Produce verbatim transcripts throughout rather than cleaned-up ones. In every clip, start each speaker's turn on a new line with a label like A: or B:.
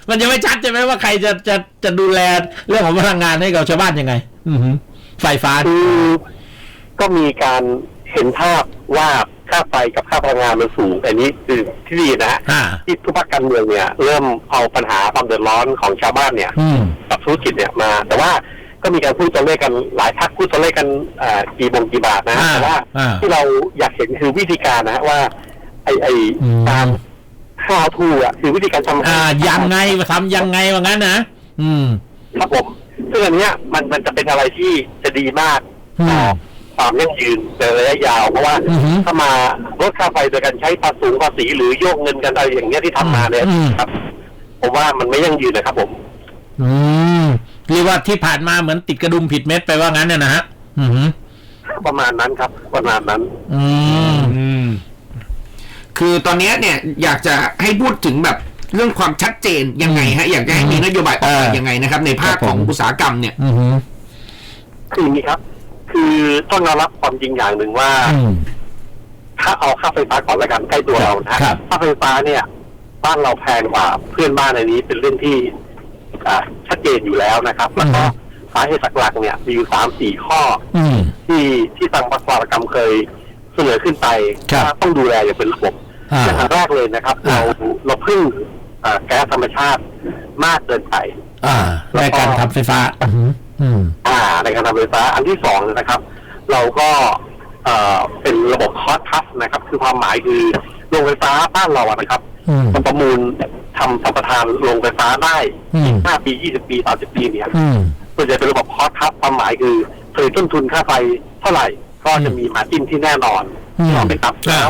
A: มันจะไม่ชัดใช่ไหมว่าใครจะจะจะดูแลเรื่องของพลังงานให้กับชาวบ้านยังไง อือไฟฟ้า
B: คือก็มีการเห็นภาพว่าค่าไฟกับค่าพลังงานมันสูงอันนี้คือที่ดีนะที่ทุกภาคการเมืองเนี่ยเริ่มเอาปัญหาความเดือดร้อนของชาวบ้านเนี่ยกับธุรกิจเนี่ยมาแต่ว่าก็มีการพูดตัวเลขกันหลายพรรคพูดตัวเลขกันกี่บงกี่บาทนะแต่ว่าที่เราอยากเห็นคือวิธีการนะว่าไอไอการข้าวทูอ่ะคือวิธีการทำ
A: อ่ายังไงมาทำยังไงว่างั้นนะอืม
B: ครับผมซึ่งอันเนี้ยมันมันจะเป็นอะไรที่จะดีมากต่อความยั่งยืนในระยะยาวเพราะว่าถ้ามาลดค่าไฟโดยการใช้ภาษีภาษีหรือโยกเงินกันอะไรอย่างเงี้ยที่ทำมาเนี่ยครับผมว่ามันไม่ยั่งยืนนะครับผม
A: อืมเรียกว่าที่ผ่านมาเหมือนติดกระดุมผิดเม็ดไปว่างั้นเนี่ยนะฮะอืม
B: ประมาณนั้นครับประมาณนั้น
A: อืมอืม
C: คือตอนนี้เนี่ยอยากจะให้พูดถึงแบบเรื่องความชัดเจนยังไงฮะอยากจะให้มีนโยบายออกมายังไงนะครับในภาคของอุตสาหกรรมเนี่ย
B: คืออย่างนี้ครับคือต้องยอมรับความจริงอย่างหนึ่งว่าถ้าเอาค่าไฟฟ้าก่อนละกันใกล้ตัวเรานะค่าไฟฟ้าเนี่ยบ้านเราแพงกว่าเพื่อนบ้านในนี้เป็นเรื่องที่ชัดเจนอยู่แล้วนะครับแล้วก็สาเหตุหลักๆเนี่ยมีอยู่สามสี่ข้อที่ที่ทางภาคอุตสาหกรรมเคยเสนอขึ้นไปว่าต้องดูแลอย่างเป็นระบบอย่างแรกเลยนะครับเราเราพึ่งแก๊สธรรมชาติมากเกินไป
A: ในการทำไฟฟ้า
B: อ่าในการทำไฟฟ้าอันที่สองนะครับเราก็เป็นระบบคอสต์คัทนะครับคือความหมายคือโรงไฟฟ้าบ้านเราอะนะครับมันประมูลทำสัมปทานโรงไฟฟ้าได้ห้าปียี่สิบปีสามสิบปีเนี่ยส่วนใหญ่เป็นระบบคอสต์คัทความหมายคือเคยต้นทุนค่าไฟเท่าไหร่ก็จะมีมาร์จิ้นที่แน่นอนที่เราไปตับแล้ว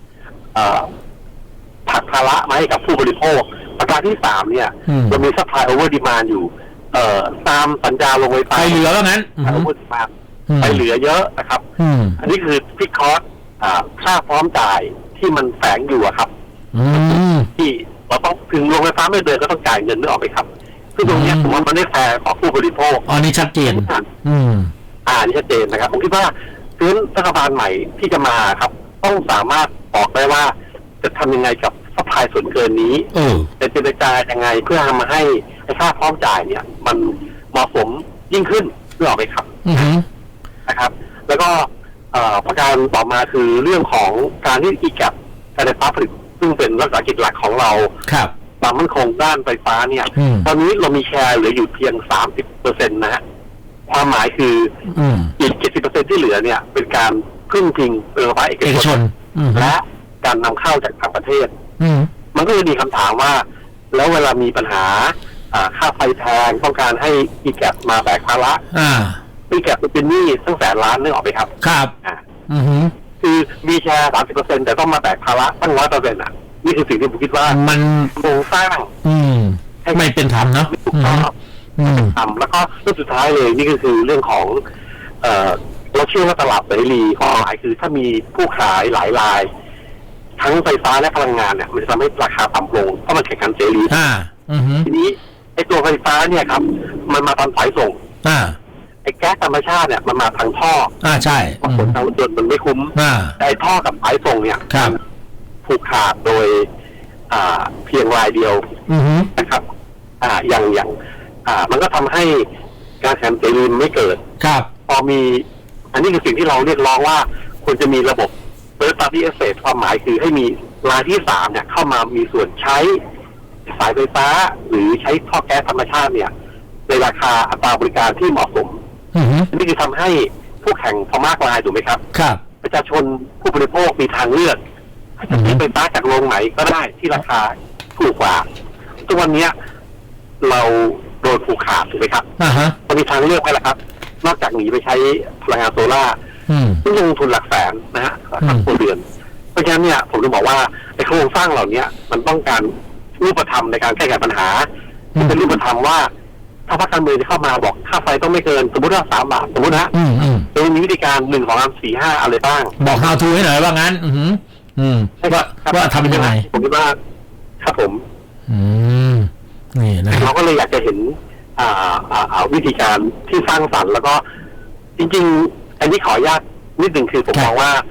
B: ผักภาระมาให้กับผู้บริโภคประการที่สามเนี่ยเรามีซัพพลายโอเวอร์ดีมานด์อยู่เอ่อตามสัญญาโรงไฟฟ้า
A: ไปเหลือแล้วนั้น
B: โอเวอร์ดีมานด์ไปเหลือเยอะนะครับอันนี้คือพิกคอสค่าพร้อมจ่ายที่มันแฝงอยู่ครับที่เราต้องถึงโรงไฟฟ้าไม่เดินก็ต้องจ่ายเงินนึกออกไหมครับซึ่งตรงนี้ผมว่ามันไม่แฟร์ต่อผู้บริโภค
A: อ๋อนี่ชัดเจนอืม
B: อ่านี่ชัดเจนนะครับผมคิดว่าพื้นรัฐบาลใหม่ที่จะมาครับต้องสามารถบอกได้ว่าจะทำยังไงกับซัพพลายส่วนเกินนี้จะเจรจายังไงเพื่อทำมาให้ค่าพร้อมจ่ายเนี่ยมันเหมาะสมยิ่งขึ้นนึกออกไหมครับนะครับแล้วก็ประการต่อมาคือเรื่องของการที่อีแกปการไฟฟ้าผลิตซึ่งเป็นรัฐวิสาหกิจหลักของเราความมั่นคงด้านไฟฟ้าเนี่ยตอนนี้เรามีแชร์เหลืออยู่เพียง สามสิบเปอร์เซ็นต์ นะฮะความหมายคืออีก เจ็ดสิบเปอร์เซ็นต์ ที่เหลือเนี่ยเป็นการพึ่งพิงโรงไฟฟ้าเอกชนและการนำเข้าจากต่างประเทศมันก็จะมีคำถามว่าแล้วเวลามีปัญหาค่าไฟแพงต้องการให้อีแกปมาแบกภาระอีแกปเป็นหนี้ตั้งแสนล้านนึกออกไหมครับ
A: ครับ
B: คือมีแชร์ สามสิบเปอร์เซ็นต์ แต่ต้องมาแบกภาระตั้ง ร้อยเปอร์เซ็นต์ อ่ะนี่คือสิ่งที่ผมคิดว่า
A: มัน
B: โครงสร้าง
A: ไม่เป็นธรรมเนาะ
B: ทำแล้วก็เรื่องสุดท้ายเลยนี่ก็คือเรื่องของเอ่อเราเชื่อว่าตลาดเสรีความหมายคือถ้ามีผู้ขายหลายรายทั้งไฟฟ้าและพลังงานเนี่ยมันจะทำให้ราคาต่ำลงเพราะมันแข่งขันเสรีทีนี้ไอ้ตัวไฟฟ้าเนี่ยครับมันมาตามสายส่งไอ้แก๊สธรรมชาติเนี่ยมันมาทางท่อ
A: อ่าใช่
B: ผลทางรถยนต์มันไม่คุ้มแต่ไอ้ท่อกับสายส่งเนี่ยผูกขาดโดยอ่าเพียงรายเดียวนะครับอ่าอย่างอย่างอ่ามันก็ทำให้การแข่งขันเสรีไม่เกิด
A: ครับ
B: พอมีอันนี้คือสิ่งที่เราเรียกร้องว่าควรจะมีระบบThird Party Access ความหมายคือให้มีรายที่สามเนี่ยเข้ามามีส่วนใช้สายไฟฟ้าหรือใช้ท่อแก๊สธรรมชาติเนี่ยในราคาอัตราบริการที่เหมาะสมอันนี้คือทำให้ผู้แข่งพอมากรายถูกไหมครับ
A: ครับ
B: ประชาชนผู้บริโภคมีทางเลือกจะซื้อไฟฟ้าจากโรงไหนก็ได้ที่ราคาถูกกว่าทุกวันนี้เราโดนผูกขาดถูกไหมครับมันมีทางเลือกไหมล่ะครับนอกจากหนีไปใช้พลังงานโซล่าซึ่งลงทุนหลักแสนนะฮะหลักเดือนเพราะฉะนั้นเนี่ยผมจะบอกว่าไอ้โครงสร้างเหล่านี้มันต้องการรูปธรรมในการแก้ไขปัญหาที่เป็นรูปธรรมว่าถ้าพรรคการเมืองจะเข้ามาบอกค่าไฟต้องไม่เกินสมมติว่าสามบาทสมมตินะโดยมีวิธีการหนึ่งของสามสี่ห้าอะไรบ้าง
A: บอก how to ให้หน่อยว่างั้นอืมอืมว่าว่าทำยังไง
B: ผมคิดว่าครับผม
A: อืมนี่นะ
B: เราก็เลยอยากจะเห็นอ่าอ่าวิธีการที่สร้างสรรค์แล้วก็จริงๆอันนี้ขออนุญาตนิดหนึ่งคือผมมองว่า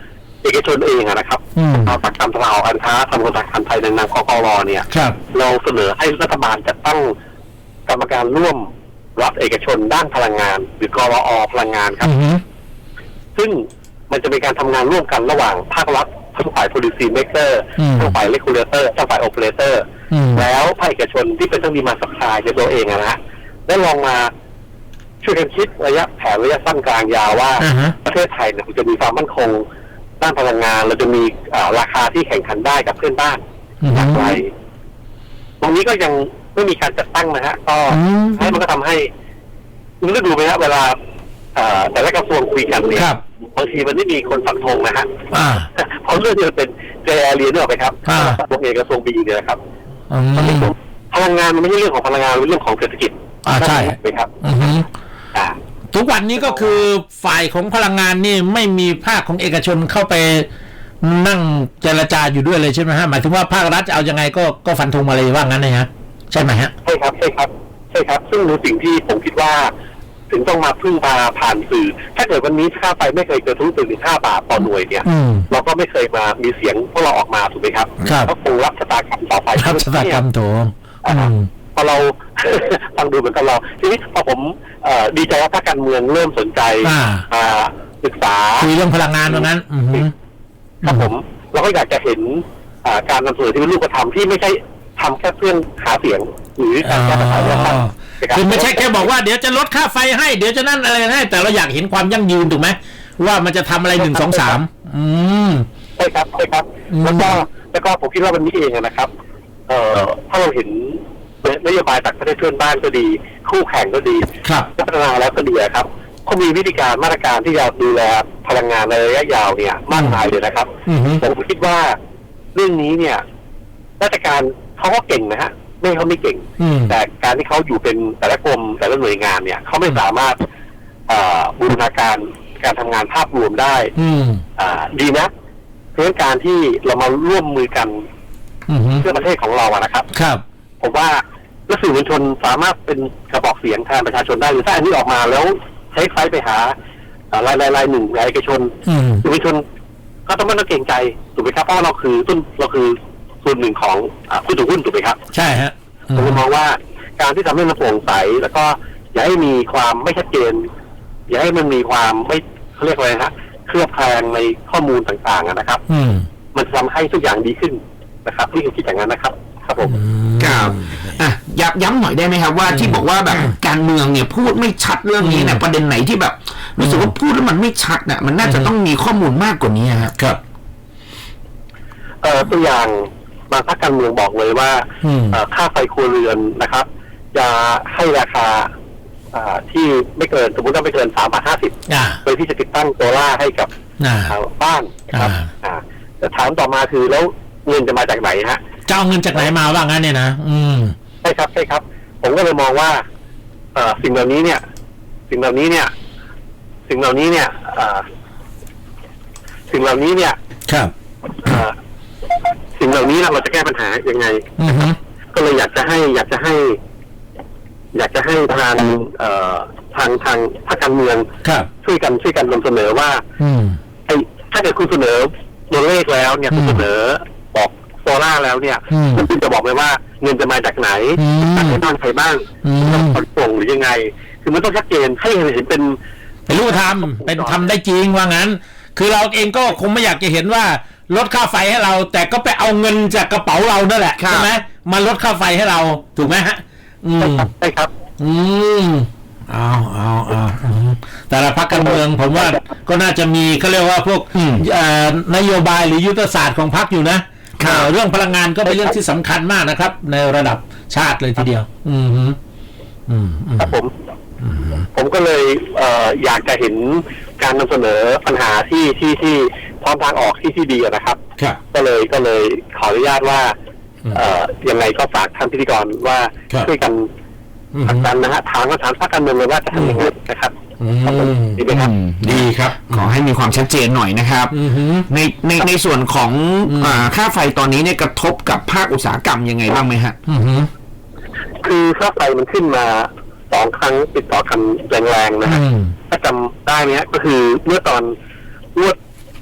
B: เอกชนเองอะนะครับ
A: อืม
B: เอาสักกรรมตลาดการค้าทำกฎการไทยในนามกกรเนี่ย
A: ครับ
B: เราเสนอให้รัฐบาลจัดตั้งกรรมการร่วมรัฐเอกชนด้านพลังงาน หรือกรอพลังงานครับ
A: อือฮึ
B: ซึ่งมันจะเป็นการทำงานร่วมกันระหว่างภาครัฐทั้งฝ่าย policy maker
A: อืม
B: ทั้งฝ่าย regulator ทั้งฝ่าย operator
A: อืม
B: แล้วภาคเอกชนที่เป็นทั้งดีมาสัพพลายในตัวเองอะนะได้ลองมาช่วยกันคิดระยะแผนระยะสั้นกลางยาวว่า
A: อ่าฮะ
B: ประเทศไทยเนี่ยมันจะมีความมั่นคงด้านพลังงานเราจะมีอ่าราคาที่แข่งขันได้กับเพื่อนบ้าน
A: อืม
B: อย่างไรตรงนี้ก็ยังไม่มีการจัดตั้งนะฮะก็
A: อืม
B: ให้มันก็ทำให้มันก็ดูไหมฮะเวลาเอ่อแต่ละกระทรวงคุยกันเนี่ย
A: ครับ
B: บางทีมันไม่มีคนฝักธงนะฮะ
A: อ่า
B: เพราะเรื่องนี้มันเป็นเจแอเรียนนึกออกไหมครับ
A: อ่า
B: กระทรวงเอกกระทรวงบีเนี่ยนะครับ
A: อืม
B: พลังงานมันไม่ใช่เรื่องของพลังงานเป็นเรื่องของเศรษฐกิจ
A: อ่าใช่
B: ไหมครับ
A: อือฮึ
B: อ่า
A: ทุกวันนี้ก็คือฝ่ายของพลังงานนี่ไม่มีภาคของเอกชนเข้าไปนั่งเจรจาอยู่ด้วยเลยใช่ไหมฮะหมายถึงว่าภาครัฐจะเอายังไงก็ก็ฟันธงมาเลยว่างั้นนะฮะใช่ไหมฮะ
B: ใช่ครับใช่ครับใช่ครับ ซึ่งในสิ่งที่ผมคิดว่า ถึงต้องมาพึ่งพาผ่านสื่อ ถ้าเกิดวันนี้ค่าไฟไม่เคยเกินทุนถึงห้าบาทต่อหน่วยเนี่ย
A: อืม
B: เราก็ไม่เคยมามีเสียงพวกเราออกมาถูกไหมครับ
A: ครับ
B: ก็คงรับชะตากรรมต่อไป
A: รับชะตากรรมโถอืม
B: พอเรา ฟังดูเหมือนกับเราทีนี้พอผมเอ่อดีใจว่าภาคการเมืองเริ่มสนใจ
A: อ่า
B: อ่าศึกษา
A: คุยเรื่องพลังงานว่างั้น อือฮึ
B: ครับผมเราก็อยากจะเห็นอ่าการนำเสนอที่เป็นรูปธรรมที่ไม่ใช่ทำแค่เพื่อหาเสียง หรือการแก้ปัญหาเรื่องตั้ง
A: คือไม่ใช่แค่บอกว่าเดี๋ยวจะลดค่าไฟให้เดี๋ยวจะนั่นอะไรให้แต่เราอยากเห็นความยั่งยืนถูกไหมว่ามันจะทำอะไรหนึ่งสองสามอืม
B: ใช่ครับใช่ครับ
A: อืม
B: แล้วก็แล้วก็ผมคิดว่าวันนี้เองอะนะครับ เอ่อถ้าเราเห็นนโยบายจากประเทศเพื่อนบ้านก็ดี คู่แข่งก็ดี
A: ครับ
B: พัฒนาแล้วก็ดีอะครับเขามีวิธีการมาตรการที่จะดูแลพลังงานในระยะยาวเนี่ยมากมายเลยนะครับ
A: อือฮึ
B: ผมคิดว่าเรื่องนี้เนี่ยราชการเขาก็เก่งนะฮะไม่เขาไม่เก่ง
A: อืม
B: แต่การที่เขาอยู่เป็นแต่ละกรมแต่ละหน่วยงานเนี่ยเขาไม่สามารถเอ่อบูรณาการการทำงานภาพรวมได้
A: อืม
B: อ่าดีนะเพราะฉะนั้นการที่เรามาร่วมมือกัน
A: อือฮึ
B: เพื่อประเทศของเราอะนะครับ
A: ครับ
B: ผมว่าและสื่อมวลชนสามารถเป็นกระบอกเสียงแทนประชาชนได้หรือถ้าอันนี้ออกมาแล้วใช้ไฟไปหาอ่ารายรายรายหนึ่งรายเอกชน
A: อืม
B: สื่อมวลชนก็ต้องไม่ต้องเกรงใจถูกไหมครับเพราะว่าเราคือต้นเราคือส่วนหนึ่งของอ่าผู้ถือหุ้นถูกไหมครับ
A: ใช่ฮะอื
B: ผม
A: ม
B: มองว่าการที่ทำให้มันโปร่งใสแล้วก็อย่าให้มีความไม่ชัดเจน อย่าให้มันมีความไม่เขาเรียกอะไรนะเคลือบแคลงในข้อมูลต่างๆอะนะครับ
A: อืม
B: มันจะทำให้ทุกอย่างดีขึ้นนะครับที่ผมคิดอย่างนั้นนะครับ ครับผม
C: ครับอ่ะย้ำย้ำหน่อยได้ไหมครับว่าที่บอกว่าแบบการเมืองเนี่ยพูดไม่ชัดเรื่องนี้เนี่ยประเด็นไหนที่แบบรู้สึกว่าพูดแล้วมันไม่ชัดน่ะมันน่าจะต้องมีข้อมูลมากกว่านี้ครับ
A: ครับ
B: เอ่อตัวอย่างบางภาคการเมืองบอกเลยว่า
A: อืม
B: เอ่อค่าไฟครัวเรือนนะครับ จะให้ราคาอ่าที่ไม่เกินสมมติว่าไม่เกินสามบาทห้าสิบ
A: อ่า
B: โดยที่จะติดตั้งโซล่าร์ให้กับ
A: อ่า
B: อ่าบ้านนะครับ
A: อ่า
B: อ่าแต่ถามต่อมาคือแล้วเงินจะมาจากไหนฮะ
A: จะเอาเงินจากไหนมาว่างั้นเนี่ยนะอืม
B: ใช่ครับใช่ครับ ผมก็เลยมองว่าเอ่อสิ่งเหล่านี้เนี่ย สิ่งเหล่านี้เนี่ย สิ่งเหล่านี้เนี่ยเอ่อสิ่งเหล่านี้เนี่ย
A: ครับ
B: เอ่อสิ่งเหล่านี้เราจะแก้ปัญหายังไง
A: อือฮึ
B: ก็เลยอยากจะให้ อยากจะให้ อยากจะให้ทางเอ่อทางทางภาคการเมือง
A: ครับ
B: ช่วยกันช่วยกันนำเสนอว่า
A: อืม
B: ไอ้ถ้าเกิดคุณเสนอตัวเลขแล้วเนี่ย
A: อืม
B: คุณเสนอบอกโซล่าร์แล้วเนี่ย
A: อืม
B: คุณจะบอกเลยว่าเงินจะมาจากไหน
A: อืม
B: จากให้บ้านใครบ้าง
A: อืม
B: ต้องผ่อนปลงหรือยังไง คือมันต้องชัดเจนให้เห็นเป็น
A: เป็นรูปธรรมเป็นทำได้จริงว่างั้น คือเราเองก็คงไม่อยากจะเห็นว่าลดค่าไฟให้เรา แต่ก็ไปเอาเงินจากกระเป๋าเรานั่นแหละ
C: ครับ
A: ใช่ไหมมาลดค่าไฟให้เราถูกไหมฮะ อืม
B: ใช่ครับ
A: อืมเอาเอาเอาอืมแต่ละพรรคการเมืองผมว่าก็น่าจะมีเขาเรียกว่าพวก
C: อืม
A: เอ่อนโยบายหรือยุทธศาสตร์ของพรรคอยู่นะครับ เอ่อเรื่องพลังงานก็เป็นเรื่องที่สำคัญมากนะครับ ในระดับชาติเลยทีเดียว อืมฮึอืมอืม
B: ครับผม ผมก็เลยเอ่ออยากจะเห็นการนำเสนอปัญหาที่ที่ที่พร้อมทางออกที่ที่ดีนะครับ
A: ครับ
B: ก็เลยก็เลยขออนุญาตว่า
A: อืม
B: เอ่อยังไงก็ฝากท่านพิธีกรว่า
A: ครับ
B: ช่วยกัน
A: อืม
B: ผลักดันนะฮะถามก็ถามภาคการเมืองเลยว่าจะทำยังไงนะครับ
A: อื
B: ครับผม
A: ม
B: ดีไหมครับ
C: ดีครับ ขอให้มีความชัดเจนหน่อยนะครับ
A: อืมฮึ
C: ในในในส่วนของ
A: อืม
C: อ่าค่าไฟตอนนี้เนี่ยกระทบกับภาคอุตสาหกรรมยังไงบ้างไหมฮะ
A: อืมฮึ
B: คือค่าไฟมันขึ้นมาสองครั้งติดต่อกันแรงๆนะฮะ
A: อืม
B: ถ้าจำได้ไหมฮะก็คือเมื่อตอนงวด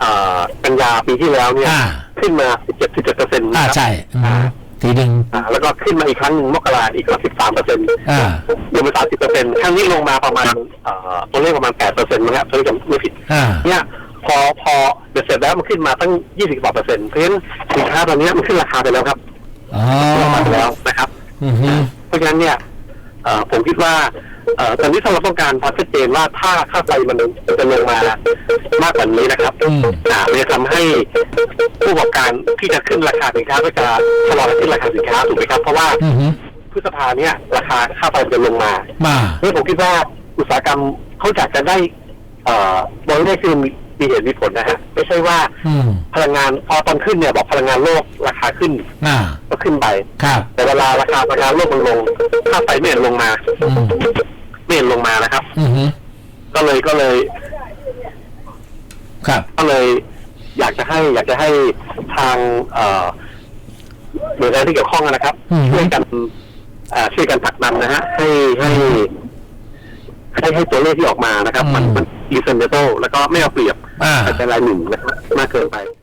B: อ่ากันยาปีที่แล้วเนี่ย
A: อ่า
B: ขึ้นมา สิบเจ็ด สิบเจ็ดเปอร์เซ็นต์
A: อ่าใช่อืมทีหนึ่ง
B: อ่าแล้วก็ขึ้นมาอีกครั้งหนึ่งมกราอีก สิบสามเปอร์เซ็นต์
A: อ่า
B: รวมเป็น สามสิบเปอร์เซ็นต์ ครั้งนี้ลงมาประมาณเอ่อตัวเลขประมาณ แปดเปอร์เซ็นต์ มั้งครับถ้าจำไม่ผิด
A: อ่า
B: เนี่ยพอพอเบ็ดเสร็จแล้วมันขึ้นมาตั้ง ยี่สิบกว่าเปอร์เซ็นต์ เพราะฉะนั้นสินค้าตอนนี้มันขึ้นราคาไปแล้วครับ
A: อ๋อ
B: ลงมาไปแล้วนะครับ
A: อือฮึ
B: เพราะฉะนั้นเนี่ยเอ่อผมคิดว่าเอ่อตอนนี้ถ้าเราต้องการความชัดเจนว่าถ้าค่าไฟมันจะลงมามากกว่านี้นะครับอ่ามันจะทำให้ผู้ประกอบการที่จะขึ้นราคาสินค้าก็จะชะลอการขึ้นราคาสินค้าถูกไหมครับเพราะว่า
A: อือฮึ
B: พฤษภาเนี่ยราคาค่าไฟจะลงมา
A: มา
B: เพราะผมคิดว่าอุตสาหกรรมเขาอยากจะได้เอ่อบริษัทคือมีมีเหตุมีผลนะฮะไม่ใช่ว่า
A: อืม
B: พลังงานพอตอนขึ้นเนี่ยบอกพลังงานโลกราคาขึ้น
A: อ่า
B: ก็ขึ้นไป
A: ครับ
B: แต่เวลาราคาพลังงานโลกมันลงค่าไฟไม่เห็นลงมา
A: อืม
B: ไม่เห็นลงมานะครับ
A: อือฮึ
B: ก็เลยก็เลย
A: ครับ
B: ก็เลย อยากจะให้ อยากจะให้ทางเอ่อหน่วยงานที่เกี่ยวข้องนะครับ
A: อืม
B: ช่วยกันเอ่อช่วยกันผลักดันนะฮะให้ให้ให้ให้ตัวเลขที่ออกมานะครับ มันมันรีเซนเดโตแล้วก็ไม่เอาเปรียบ
A: อ่า
B: แต่รายหนึ่งนะครับมากเกินไป